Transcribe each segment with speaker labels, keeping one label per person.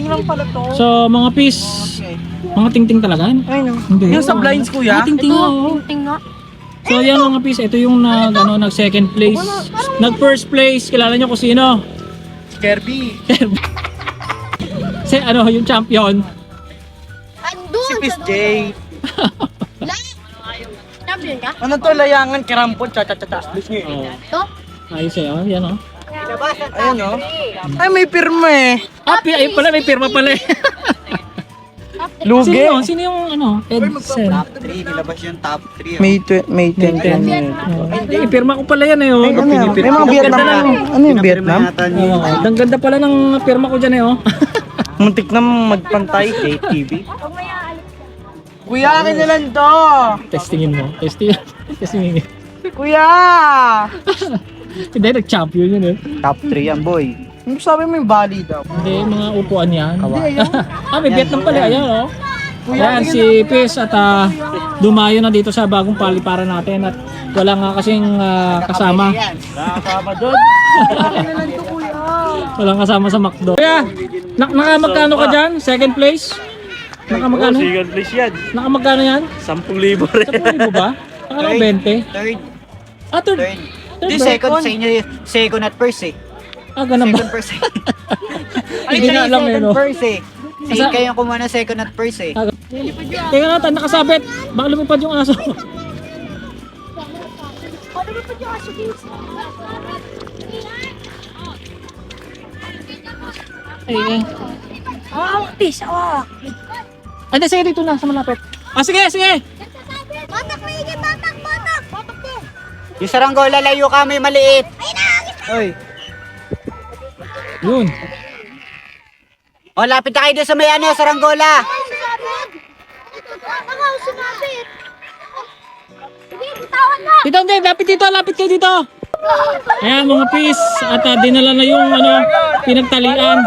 Speaker 1: lang pala to.
Speaker 2: So, mga piece, mga tingting talaga.
Speaker 1: Ay, no.
Speaker 2: Hindi.
Speaker 1: Yung sa blinds, kuya?
Speaker 2: Tingting nga, oo.
Speaker 3: Tingting nga.
Speaker 2: So, yan mga piece. Ito yung nag second place. Nag first place. Kilala nyo kung sino?
Speaker 1: Kirby.
Speaker 2: Yung champion.
Speaker 3: Andun!
Speaker 1: Si Miss J.
Speaker 3: Champion ka?
Speaker 1: Ano to, layangan, kirampon, cha-cha-cha-cha.
Speaker 2: Oh.
Speaker 3: Ito?
Speaker 2: Ayos eh, oh. Yan, oh.
Speaker 1: Ayun, no? Ay, may pirma eh.
Speaker 2: Ay pala, may pirma pala eh.
Speaker 1: Lugi.
Speaker 2: Sino? Sino yung Edsen?
Speaker 4: Top 3, nilabas yung top 3.
Speaker 1: May 10
Speaker 2: 10. May pirma ko pala yan eh, oh.
Speaker 1: May mga Vietnam na. Ano yung Vietnam?
Speaker 2: Oh, ang ganda pala ng pirma ko dyan eh, oh.
Speaker 1: Muntik na magpantay.
Speaker 4: JTV.
Speaker 1: Kuya, akin na lang to.
Speaker 2: Testingin mo. Testingin.
Speaker 1: Kuya!
Speaker 2: Hindi, nag-champion yun eh.
Speaker 4: Top 3 yan, boy.
Speaker 1: Ano sabi mo yung bali daw?
Speaker 2: Hindi, mga upuan yan.
Speaker 1: Hindi, ayun.
Speaker 2: May Vietnam pala. Ayan, oh. Ayan, si Pis at dumayo na dito sa bagong paliparan natin at wala nga kasing kasama.
Speaker 1: Nakakama doon.
Speaker 2: Walang kasama sa McDo. Kuya, nakamagkano ka dyan? Second place? Nakamagkano?
Speaker 4: Second place yan.
Speaker 2: Nakamagkano yan?
Speaker 4: 10,000 rin.
Speaker 2: 10,000 ba? Akala ko 20.
Speaker 4: Third.
Speaker 2: Ah, third.
Speaker 4: Third.
Speaker 2: Third
Speaker 4: Di
Speaker 2: ba?
Speaker 4: second sa inyo, second at first eh.
Speaker 2: Ah, ganun ba?
Speaker 4: Second first eh.
Speaker 2: Hindi na alam eh,
Speaker 4: Second
Speaker 2: no?
Speaker 4: first eh. Si
Speaker 2: Asa-
Speaker 4: kayo kumuha ng second at first eh.
Speaker 2: Teka natin, nakasabit. Baka lumipad yung aso. Ay,
Speaker 3: Peace,
Speaker 2: Hindi, sige dito na sa malapit. Ah, sige, sige.
Speaker 3: Batak, maigi, batak, batak! Batak po!
Speaker 4: Yung saranggola, layo ka, may maliit. Oy.
Speaker 2: Yun.
Speaker 4: O, lapit na kayo doon sa may ano, saranggola.
Speaker 3: Ako, sumabit! Sige, bitawan na!
Speaker 2: Dito, hindi. Lapit kayo dito. Ayan, mga pis. At dinala na yung pinagtalian.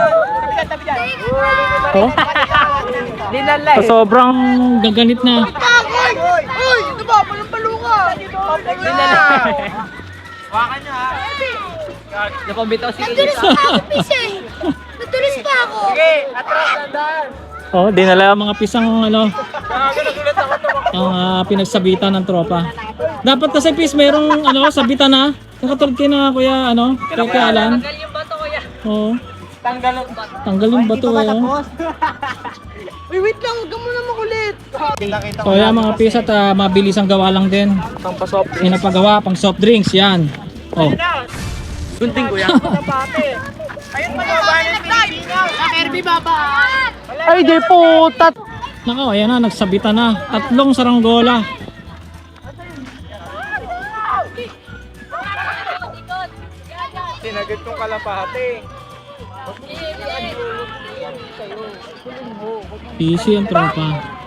Speaker 2: Oh?
Speaker 1: Dinala
Speaker 2: So, sobrang gaganit na.
Speaker 1: Uy! Ito ba? Palumpalo ka! Dinala. Wakan nyo ha. Napambitaw si
Speaker 3: Natulis pa ako, Peace eh! Natulis pa ako!
Speaker 1: Sige, atras na daan.
Speaker 2: Oh, dinala mga pisang
Speaker 1: Nakagagulat ako to.
Speaker 2: ang pinagsabitan ng tropa. Dapat kasi pis merong sabitan na. Nakatulad kayo na kuya kay Alan.
Speaker 1: Tanggal yung bato kuya.
Speaker 2: Oo.
Speaker 1: Tanggal yung bato.
Speaker 2: Tanggal yung bato eh. Oh.
Speaker 1: Uy, wait lang. Huwag ka muna makulit.
Speaker 2: So yan mga pis at mabilis ang gawa lang din.
Speaker 1: Pangpasop.
Speaker 2: Pinapagawa pang soft drinks yan. Oh.
Speaker 1: Gunting kuya. Ayun pa ba ng Pilipinas? Sa Kirby baba. Ay, di putat.
Speaker 2: Nako, ayan na nagsabitan na. 3 saranggola.
Speaker 1: Sinagot kong kalapate.
Speaker 2: Easy ang tropa.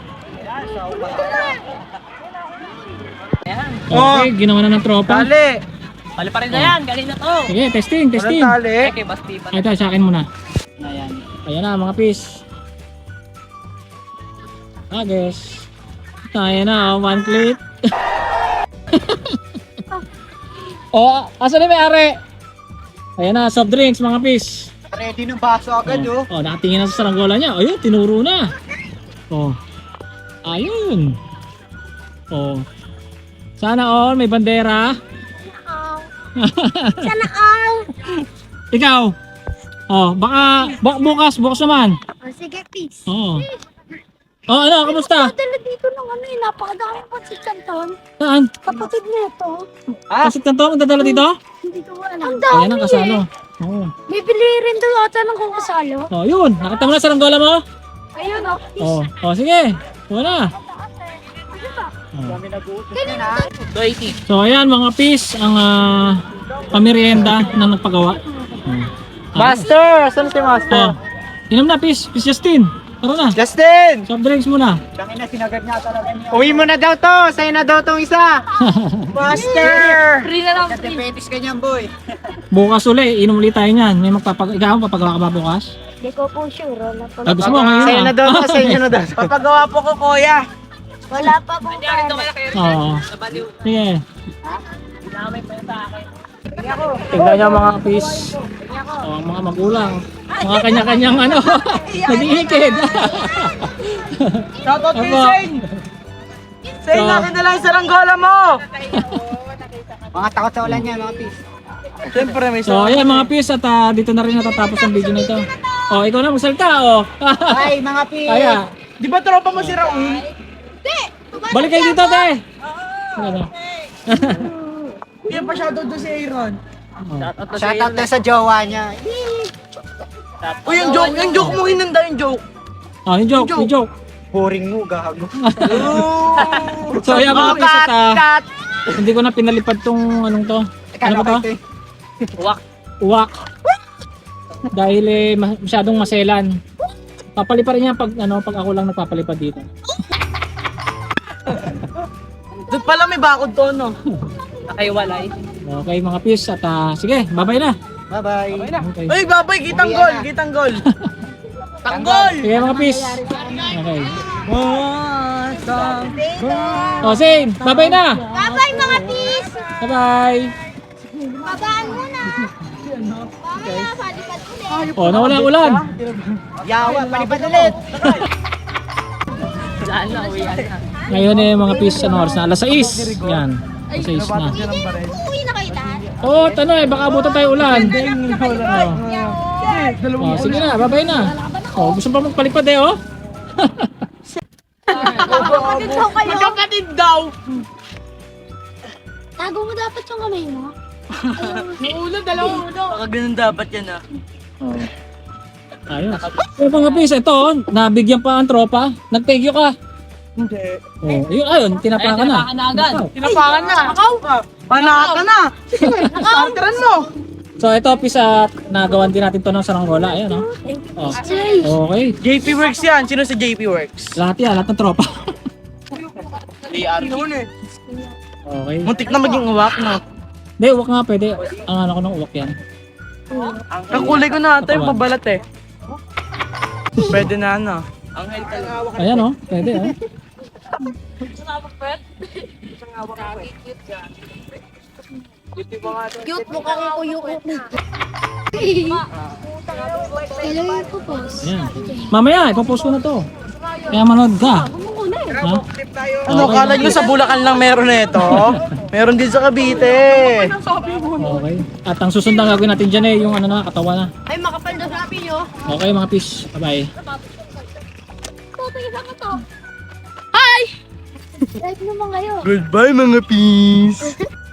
Speaker 1: Oh.
Speaker 2: Okay, ginawa na ng tropa.
Speaker 1: Tali.
Speaker 3: Bali pa rin na yan, galing na to!
Speaker 2: Sige, testing.
Speaker 1: Walang tali.
Speaker 2: Ay, ito, sa akin muna.
Speaker 4: Ayan.
Speaker 2: Ayan na mga pis. Guys. Ayan na, 1 plate. Oh, asan na may-ari? Ayan na, soft drinks mga pis.
Speaker 4: Ready ng baso agad oh.
Speaker 2: Oh, nakatingin na sa saranggola niya. Ayun, tinuro na. Oh. Ayun. Oh. Sana all may bandera.
Speaker 3: Sana all!
Speaker 2: Ikaw. Oh, baka bukas naman.
Speaker 3: Oh, sige, Peace!
Speaker 2: Oh. Oh, kamusta?
Speaker 3: Dala dito ng napakadaming pansit canton.
Speaker 2: Saan?
Speaker 3: Kapatid nito.
Speaker 2: Pasit ka to, ang dadala dito?
Speaker 3: Hindi ko alam. Ang dami
Speaker 2: Ayan ang kasalo. Oh.
Speaker 3: May bili rin doon ata ng kung kasalo.
Speaker 2: Oh, yun. Nakita mo na saranggola mo?
Speaker 3: Ayun oh.
Speaker 2: Oh, sige. Wala. So ayan mga pis ang pamirienda na nagpagawa.
Speaker 1: Master! Saan si Master?
Speaker 2: Oh. Inom na pis Justin. Tara na.
Speaker 1: Justin!
Speaker 2: Soft drinks muna.
Speaker 4: Tangin na, sinagad niya talaga niya.
Speaker 1: Uwi mo na daw to! Sa'yo na daw tong isa! Master!
Speaker 3: Free na lang.
Speaker 4: Nagdepetis ka niyan, boy.
Speaker 2: Bukas uli, inom ulit tayo niyan. May ikaw papagawa ka ba bukas?
Speaker 3: Hindi ko po sure. Wala pa.
Speaker 2: Gusto mo ngayon?
Speaker 1: Sa'yo na daw to, sa inyo na daw. Papagawa po ko, kuya.
Speaker 3: Wala pa po.
Speaker 2: Oo. Sige. Tingnan niyo mga pis. Oh, ang mga magulang. Mga kanya-kanyang ano, nag-iikid.
Speaker 1: Shoutout kay
Speaker 2: Apo.
Speaker 1: Shane! Shane,
Speaker 2: So-
Speaker 1: akin na lang yung saranggola mo!
Speaker 4: Mga takot sa ulan yan, mga pis.
Speaker 1: Siyempre, may
Speaker 2: So, ayan mga pis at dito na rin natatapos ang video na ito. Oh, ikaw na magsalita oh.
Speaker 4: Ay, mga pis.
Speaker 2: Kaya,
Speaker 1: Di ba tropa mo si Raul?
Speaker 2: balik kayo dito, te. Ano?
Speaker 1: Hindi pa shoutout doon si Aaron.
Speaker 4: Shoutout na sa jowa niya.
Speaker 1: Uy, yung joke mo hinanda yung joke.
Speaker 2: Oh, yung joke.
Speaker 4: Boring mo, gago.
Speaker 2: So, ayan mga pis at hindi ko na pinalipad tong anong to. Ano ba to? Uwak. Dahil masyadong maselan. Papalipad rin yan pag ako lang nagpapalipad dito.
Speaker 1: Doon pala may bakod to, no? Nakaiwalay.
Speaker 2: Okay mga pis at sige, bye-bye na.
Speaker 4: Bye-bye.
Speaker 2: Okay.
Speaker 1: Uy, babay, kitang
Speaker 4: Uwi
Speaker 1: gol,
Speaker 4: na.
Speaker 1: kitang gol. Tanggol!
Speaker 2: Sige mga pis. Okay.
Speaker 1: Wasang
Speaker 2: O, Zane, bye-bye na.
Speaker 3: Babay mga pis!
Speaker 2: Bye-bye.
Speaker 3: Babaan muna! Mamaya, palipad ulit!
Speaker 2: O, nawala ulan.
Speaker 4: Yawa, palipad ulit.
Speaker 2: Ngayon mga pis, ano oras na? Alas 6. Yan. Alas 6 na.
Speaker 3: Uuwi na kayo lahat?
Speaker 2: Oo, baka abutan tayo ulan.
Speaker 1: Dalawang
Speaker 2: O, sige na, bye-bye na. O, gusto pa magpalipad oh.
Speaker 3: Magkakapatid daw kayo!
Speaker 1: Magkapatid daw!
Speaker 3: Tago mo dapat yung kamay mo.
Speaker 1: Baka ganun dapat yan, ah.
Speaker 2: Ayos. So mga pis, ito, nabigyan pa ang tropa. Nag-thank you ka.
Speaker 1: Hindi.
Speaker 2: Oh, ayun, tinapakan na.
Speaker 1: Tinapakan na. Panaka na. Starteran mo.
Speaker 2: So ito, pis, nagawan din natin to ng saranggola. Ayan, oh. Okay.
Speaker 1: JP Works yan. Sino sa JP Works?
Speaker 2: Lahat yan, lahat ng tropa. Okay.
Speaker 1: Muntik na maging uwak, no?
Speaker 2: Hindi, uwak nga pwede. Ang ano ko ng uwak yan.
Speaker 1: Kakulay ko na ata yung pabalat eh. Pwede na, ano?
Speaker 2: Ayan, oh. Pwede, oh.
Speaker 3: Cute mo kang kuyukot na. Hello yung pupos.
Speaker 2: Ayan. Mamaya, ipopost ko na to. Kaya manood ka. Ha?
Speaker 1: Ano,
Speaker 2: Okay,
Speaker 1: kala nyo sa Bulacan lang meron na ito? Meron din sa Cavite.
Speaker 2: Okay. At ang susunod na gagawin natin dyan yung ano na, katawan na.
Speaker 3: Ay, makapal na sabi nyo.
Speaker 2: Okay mga fish. Bye-bye.
Speaker 3: Pupos ako to. Hi! Live naman kayo.
Speaker 1: Goodbye mga peace.